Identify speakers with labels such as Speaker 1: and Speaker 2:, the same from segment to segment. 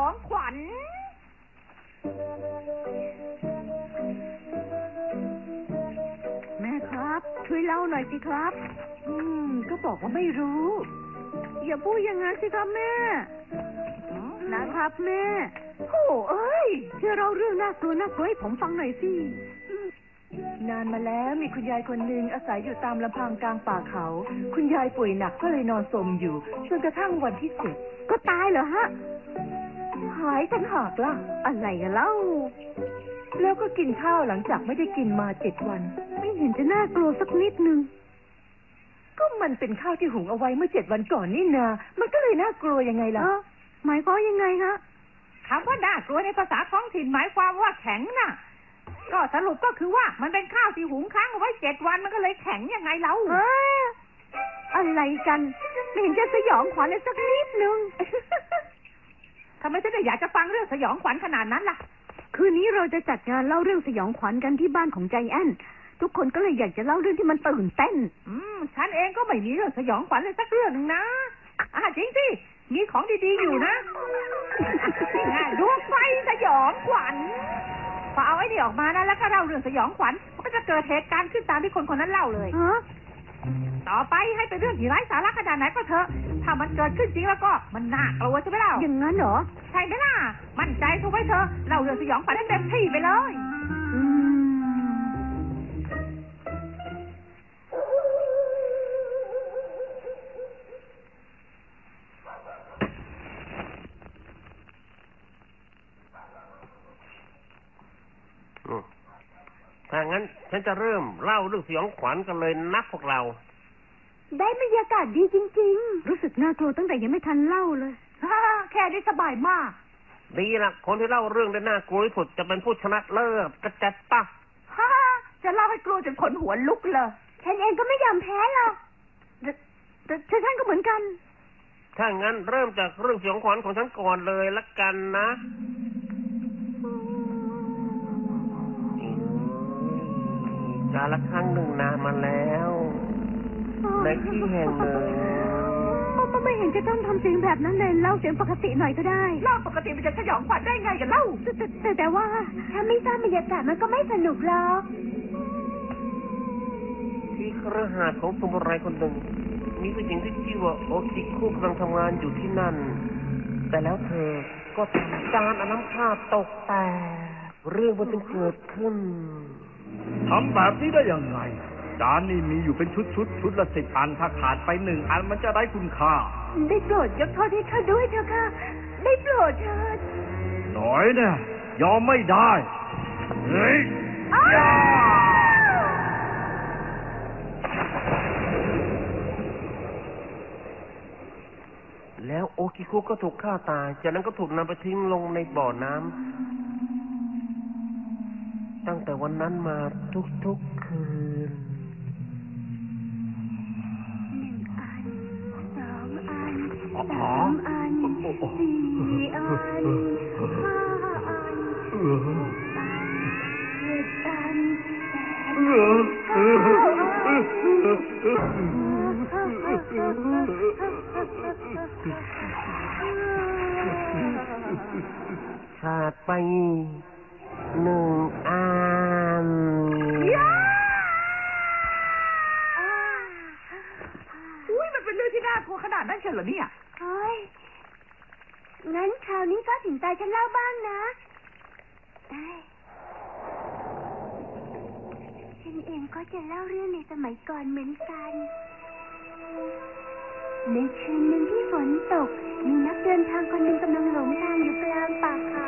Speaker 1: องขวัญแม่ครับช่วยเล่าหน่อยสิครับ
Speaker 2: ก็บอกว่าไม่รู้
Speaker 1: อย่าพูดอย่างนั้นสิครับแม่นะครับแม่โอ้เอ้ยช่วยเล่าเรื่องน่ากลัวให้ผมฟังหน่อยสิ
Speaker 2: นานมาแล้วมีคุณยายคนหนึ่งอาศัยอยู่ตามลำพังกลางป่าเขาคุณยายป่วยหนักก็เลยนอนสมอยู่จนกระทั่งวันที่7
Speaker 1: ก็ตายเหรอฮะ
Speaker 2: หายต่างหากล่ะ
Speaker 1: อะไรกันเล่า
Speaker 2: แล้วก็กินข้าวหลังจากไม่ได้กินมา7 วัน
Speaker 1: ไม่เห็นจะน่ากลัวสักนิดนึง
Speaker 2: ก็มันเป็นข้าวที่หุงเอาไว้เมื่อ7 วันก่อนนี่นามันก็เลยน่ากลัวยังไงล่ะ
Speaker 1: หมายความยังไงฮะ
Speaker 3: คำว่าน่ากลัวในภาษาท้องถิ่นหมายความว่าแข็งน่ะก็สรุปก็คือว่ามันเป็นข้าวที่หุงค้างเอาไว้7 วันมันก็เลยแข็งยังไงเล่า
Speaker 1: อะไรกันไม่เห็นจะสยองขวัญเลยสักนิดนึง
Speaker 3: ทำไมฉันอยากจะฟังเรื่องสยองขวัญขนาดนั้นล่ะ
Speaker 1: คืนนี้เราจะจัดงานเล่าเรื่องสยองขวัญกันที่บ้านของใจแอนทุกคนก็เลยอยากจะเล่าเรื่องที่มันตื่นเต้น
Speaker 3: ฉันเองก็ไม่มีเรื่องสยองขวัญเลยสักเรื่องนึงนะจริงสิมีของดีๆอยู่นะดวงไฟสยองขวัญพอเอาไอ้นี่ออกมานะแล้วก็เล่าเรื่องสยองขวัญมันก็จะเกิดเหตุการณ์ขึ้นตามที่คนนั้นเล่าเลยต่อไปให้เป็นเรื่องที่ไร้สาระขนาดไหนก็เถอะถ้ามันเกิดขึ้นจริงแล้วก็มันน่ากลัวใช่ไหมเล่า
Speaker 1: อย่างนั้นเหรอ
Speaker 3: ใช่ไหมล่ะมั่นใจทุกไว้เถอะเล่าเรื่องสยองขวัญให้เต็มที่ไปเลย
Speaker 4: ถ้างั้นฉันจะเริ่มเล่าเรื่องสยองขวัญกันเลยนะพวกเรา
Speaker 1: ได้บรรยากาศดีจริงๆรู้สึกน่ากลัวตั้งแต่ยังไม่ทันเล่าเลย
Speaker 3: แค่นี้สบายมาก
Speaker 4: ดีละคนที่เล่าเรื่องได้น่ากลัวที่สุดจะเป็นผู้ชนะเลิศกระจัดปะ
Speaker 3: จะเล่าให้กลัวจนขนหัวลุกเลย
Speaker 1: ฉันเองก็ไม่ยอมแพ้หรอกแต่ฉันก็เหมือนกัน
Speaker 4: ถ้างั้นเริ่มจากเรื่องสยองขวัญของฉันก่อนเลยละกันนะกาลครั้งหนึ่งนานมาแล้วในที่แห่งหนึ่ง
Speaker 1: ก็ไม่เห็นจะต้องทำเสียงแบบนั้นเลยเล่าเสียงปกติหน่อยก็ได้
Speaker 3: เล่าปกติมันจะสยองขวัญได้ไงกันเล่า
Speaker 1: แต่ว่าถ้าไม่สร้างบรรยากาศมันก็ไม่สนุกหรอก
Speaker 4: ที่คฤหาสน์ของสมุไรคนหนึ่งมีผู้หญิงที่ชื่อว่าโอคิคุกำลังทำงานอยู่ที่นั่นแต่แล้วเธอก็ทำจานเอาน้ำข้าวตกแตกเรื่องมันจึงเกิดขึ้น
Speaker 5: ทำแบบนี้ได้ยังไงจานนี่มีอยู่เป็นชุดละ10 อันถ้าขาดไป1 อันมันจะได้คุณค่า
Speaker 1: ได้โปรดยกโทษให้ข้าด้วยเถอะค่ะได้โปรดเถิด
Speaker 5: หน่อยเนี่ยยอมไม่ได้เฮ้ย
Speaker 4: แล้วโอคิคุก็ถูกฆ่าตายจากนั้นก็ถูกนำไปทิ้งลงในบ่อน้ำตั้งแต่วันนั้นมาทุกๆคืน
Speaker 1: 1 อัน 2 อัน 3 อัน 4 อัน 5 อัน 6 อัน 7 อัน
Speaker 4: ขาดไป1 อัน
Speaker 3: มันเป็นเรื่องที่น่ากลัวขนาดนั้นเชียวเหรอเนี่ย
Speaker 1: เฮ้ยงั้นคราวนี้ก็ถึงตาฉันเล่าบ้างนะฉันเองก็จะเล่าเรื่องในสมัยก่อนเหมือนกันในคืนหนึ่งที่ฝนตกมีนักเดินทางคนหนึ่งกำลังหลงทางอยู่กลางป่าเขา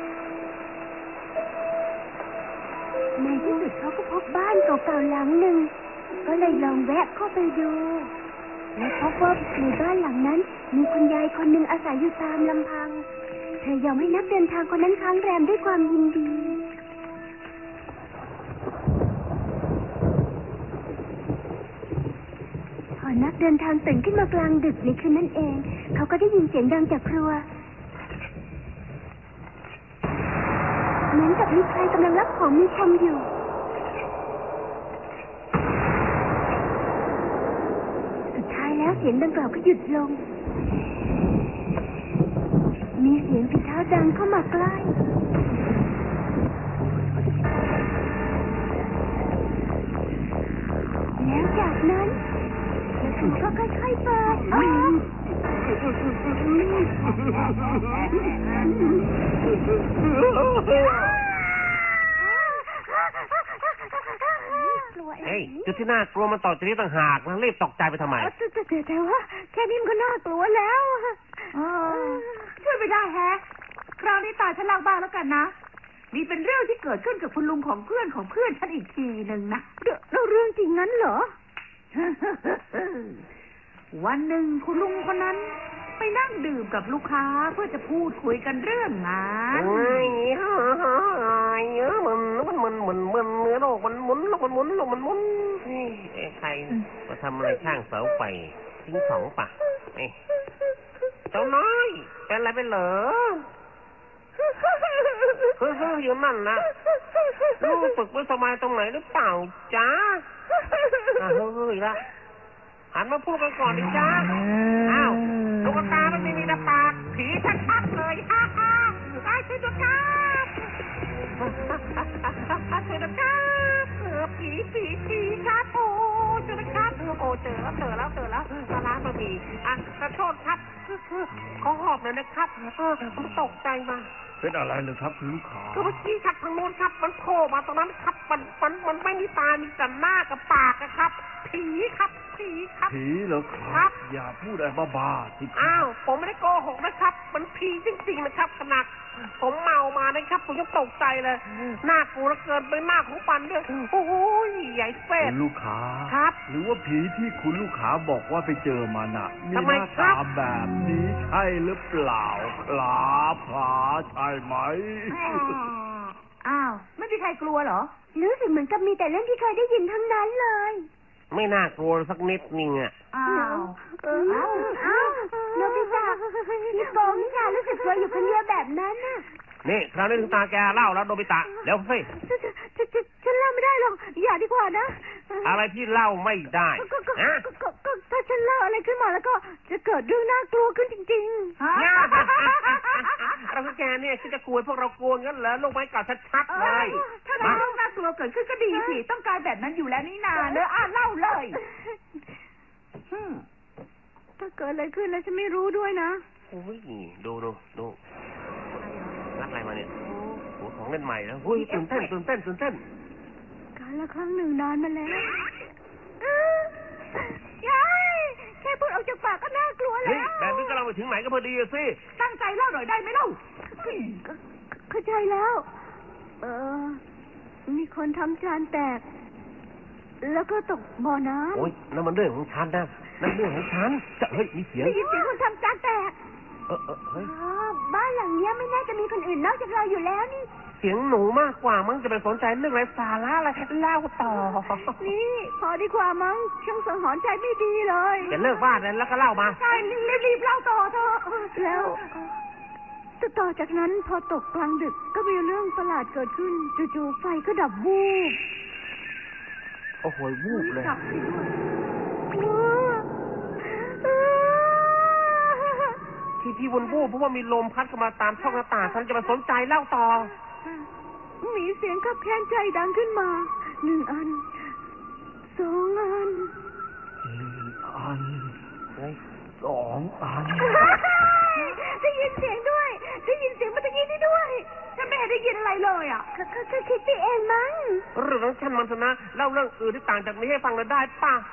Speaker 1: ในที่สุดเขาก็พบบ้านเก่าๆหลังหนึ่งก็เลยลองแวะเข้าไปดูและพบว่าในบ้านหลังนั้นมีคุณยายคนหนึ่งอาศัยอยู่ตามลำพังเธอยอมให้นักเดินทางคนนั้นค้างแรมด้วยความยินดีพอนักเดินทางตื่นขึ้นมากลางดึกในคืนนั้นเองเขาก็ได้ยินเสียงดังจากครัวเหมือนกับมีใครกำลังรับของมีคมอยู่สุดท้ายแล้วเสียงดังกล่าวก็หยุดลงมีเสียงฝีเท้าดังเข้ามาใกล้แล้วจากนั้นประตูก็ค่อยๆเปิดออก
Speaker 4: เฮ้ยจุดที่น่ากลัวมันต่อจากนี้ต่างหากนะรีบตกใจไปทำไม
Speaker 1: แต่ว่าแค่นี้มันก็น่ากลัวแล้ว
Speaker 3: ช่วยไม่ได้แฮะคราวนี้ตาฉันเล่าบ้างแล้วกันนะนี่เป็นเรื่องที่เกิดขึ้นกับคุณลุงของเพื่อนฉันอีกทีหนึ่งนะ
Speaker 1: แล้วเรื่องจริงงั้นเหรอ
Speaker 3: วันหนึ่งคุณลุงคนนั้นไปนั่งดื่มกับลูกค้าเพื่อจะพูดคุยกันเรื่องงาน
Speaker 4: มันเนื้อโลกมันหมุนโลกมันหมุนโลกมันหมุนใครมาทำอะไรข้างเสาไฟทิ้งสองปะเจ้าน้อยเป็นอะไรไปเหรออยู่นั่นนะรู้สึกไม่สบายตรงไหนหรือเปล่าจ๊ะเฮ้ยละหันมาพูดกันก่อนดิจ๊ะอ้าวลูกตามันไม่มีตาปากผีชัดๆเลยฮ่าฮ่าไอ้ช่วยด้วยครับช่วยด้วยครับผีครับโอ้ช่วยด้วยครับโอ้เจอแล้วมาล้างบะหมี่ขอโทษครับขอหอบหน่อยนะครับผมตกใจมา
Speaker 5: เป็นอะไรเลยครับคุณลูกค้า
Speaker 4: ก็เมื่อกี้ครับทางโน้นครับมันโผล่มาตรงนั้นครับมันไม่มีตามีแต่หน้ากับปากนะครับผีครับ
Speaker 5: ผีเหรอครับอย่าพูดอะไรบ้าๆสิ
Speaker 4: อ้าวผมไม่ได้โกหกนะครับมันผีจริงๆนะครับขนาดผมเมามานะครับผมยังตกใจเลยหน้ากลัวเหลือเกินเป็นหน้าของปันด้วยโอ้ยใหญ่เฟ้
Speaker 5: คุณลูกค้า
Speaker 4: ครับ
Speaker 5: หรือว่าผีที่คุณลูกค้าบอกว่าไปเจอมาน่ะมีหน้าตาแบบนี้ใช่หรือเปล่าครับใช่ไหม
Speaker 3: อ้าวไม่มีใครกลัวเหรอ
Speaker 1: รู้สึกเหมือนกับมีแต่เรื่องที่เคยได้ยินทั้งนั้นเลย
Speaker 4: ไม่น่ากลัวสักนิดนึงอ่ะ
Speaker 1: อ้าวโนบิตะพี่โกงค่ะรู้สึกว่าอยู่คนเดียวแบบนั้นน่ะ
Speaker 4: นี่คราวนี้ถึงตาแกเล่าแล้วโนบิตะเร็วสิ
Speaker 1: ฉันเล่าไม่ได้หรอกอย่าดีกว่านะ
Speaker 4: อะไรที่เล่าไม่ได้
Speaker 1: ถ้าฉันเล่าอะไรขึ้นมาแล้วก็จะเกิดเรื่องน่ากลัวขึ้นจริง
Speaker 4: ๆเราแกเนี่ยคิดจะกลัวพวกเรากลัวงั้นเหรอลงไม้ก่อนชัดๆเลย
Speaker 3: ถ้าเรื่องน่ากลัวเกิดขึ้นก็ดีสิต้องการแบบนั้นอยู่แล้วนี่นาเนอะเล่าเลย
Speaker 1: ถ้าเกิดอะไรขึ้นแล้วฉันไม่รู้ด้วยนะ
Speaker 4: โอ้ยดูรักอะไรมาเนี่ยโอ้ของเล่นใหม่แล้วเฮ้ยตื่นเต้น
Speaker 1: การละครั้งหนึ่งนานมาแล้วยายแค่พูดออกจากปากก็น่ากลัวแล้ว
Speaker 4: แบบนี้ก็เราไปถึงไหนก็พอดีสิ
Speaker 3: ตั้งใจเล่าหน่อยได้ไหมเล่า
Speaker 1: เข้าใจแล้วมีคนทำจานแตกแล้วก็ตกบ่อน้ำ
Speaker 4: โอ้ยนั่นมันเรื่องของฉันนะนั่นเรื่องของฉันจะเฮ้ยมีเสียง
Speaker 1: ได้ยินเสียงคนทำจานแตก
Speaker 4: เฮ้ย
Speaker 1: บ้านหลังนี้ไม่น่าจะมีคนอื่นนอกจากเราอยู่แล้วนี่
Speaker 4: เสียงหนูมากกว่ามั้งจะไปสนใจเรื่องไร้สาระอะไรเล่าต่อ
Speaker 1: นี่พอดีกว่ามั้งช่างสังหรณ์ใจไม่ดีเลย
Speaker 4: จะเลิกบ้านแล้วก็เล่ามา
Speaker 1: ใช่รีบเล่าต่อเถอะแล้วต่อจากนั้นพอตกกลางดึกก็มีเรื่องประหลาดเกิดขึ้นจู่ๆไฟก็ดับวูบ
Speaker 4: โอ้โหวูบเลยที่วนวูบเพราะว่ามีลมพัดเข้ามาตามช่องหน้าต่างฉันจะมาสนใจเล่าต่อ
Speaker 1: มีเสียงขับแค้นใจดังขึ้นมา1 อัน2 อัน
Speaker 5: 1 อัน2 อัน
Speaker 1: ได้ยินเสียงด้วยได้ยินเสียงเมื่อกี้นี้ด้วย
Speaker 3: ฉันไม่เห็นได้ยินอะไรเลยอ่ะ
Speaker 1: ก็คิดไปเองมั้ง
Speaker 4: เรื่องของฉันมันนะเล่าเรื่องอื่นที่ต่างจากนี้ให้ฟังเลยได้ป่ะ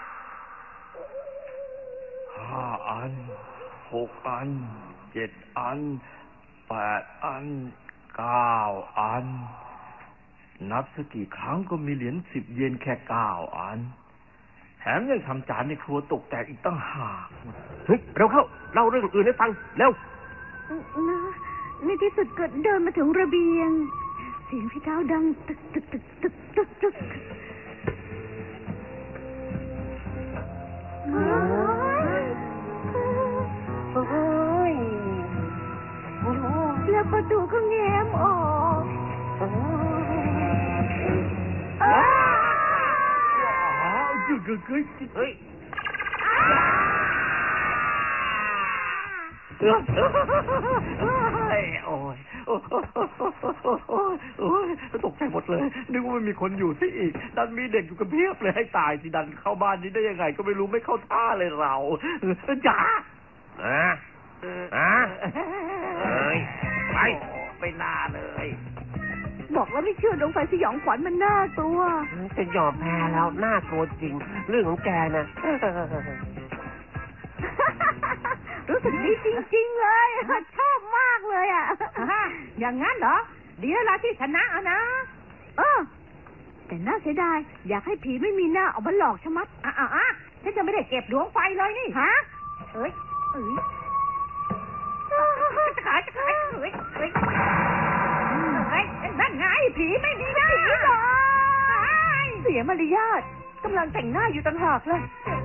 Speaker 5: 5 อัน6 อัน7 อัน8 อัน9 อันนับสักกี่ครั้งก็มีเหรียญ10 เยนแค่9 อันแถมยังทำจานในครัวตกแตกอีกตั้งหาก
Speaker 4: เฮ้ยเราเข้าเล่าเรื่องอื่นให้ฟังเร็ว
Speaker 1: ในที่สุดก็เดินมาถึงระเบียงเสียงพี่เท้าดังตึกแล้วประตูก็แง้มออก
Speaker 4: เฮ้ย
Speaker 5: ยโอ้ยโอ้ยโอ้ยตกใจหมดเลยนึกว่าไม่มีคนอยู่ซะอีกดันมีเด็กอยู่กันเพียบเลยให้ตายสิดันเข้าบ้านนี้ได้ยังไงก็ไม่รู้ไม่เข้าท่าเลยเราจ๋าเอ้ยไปหน้าเลย
Speaker 2: บอกแล้วไม่เชื่อดวงไฟสยองขวัญมันน่ากลัว
Speaker 4: จะยอมแพ้แล้วน่ากลัวจริง เรื่องของแกนะ
Speaker 2: รู้สึกดีจริงๆเลยชอบมากเลยอ่ะ
Speaker 3: อย่างงั้นเหรอ ดีแล้วล่ะที่ชนะอะนะ
Speaker 2: แต่น่าเสียดายอยากให้ผีไม่มีหน้าเอามาหลอกชะมัด
Speaker 3: ฉันจะไม่ได้เก็บดวงไฟเลยนี่
Speaker 2: ฮะ
Speaker 3: เอ้ยจะขายเฮ้ยนั่นไงผีไม่มีหน้า
Speaker 2: เสียมารยาทกำลังแต่งหน้าอยู่ต่างหากเลย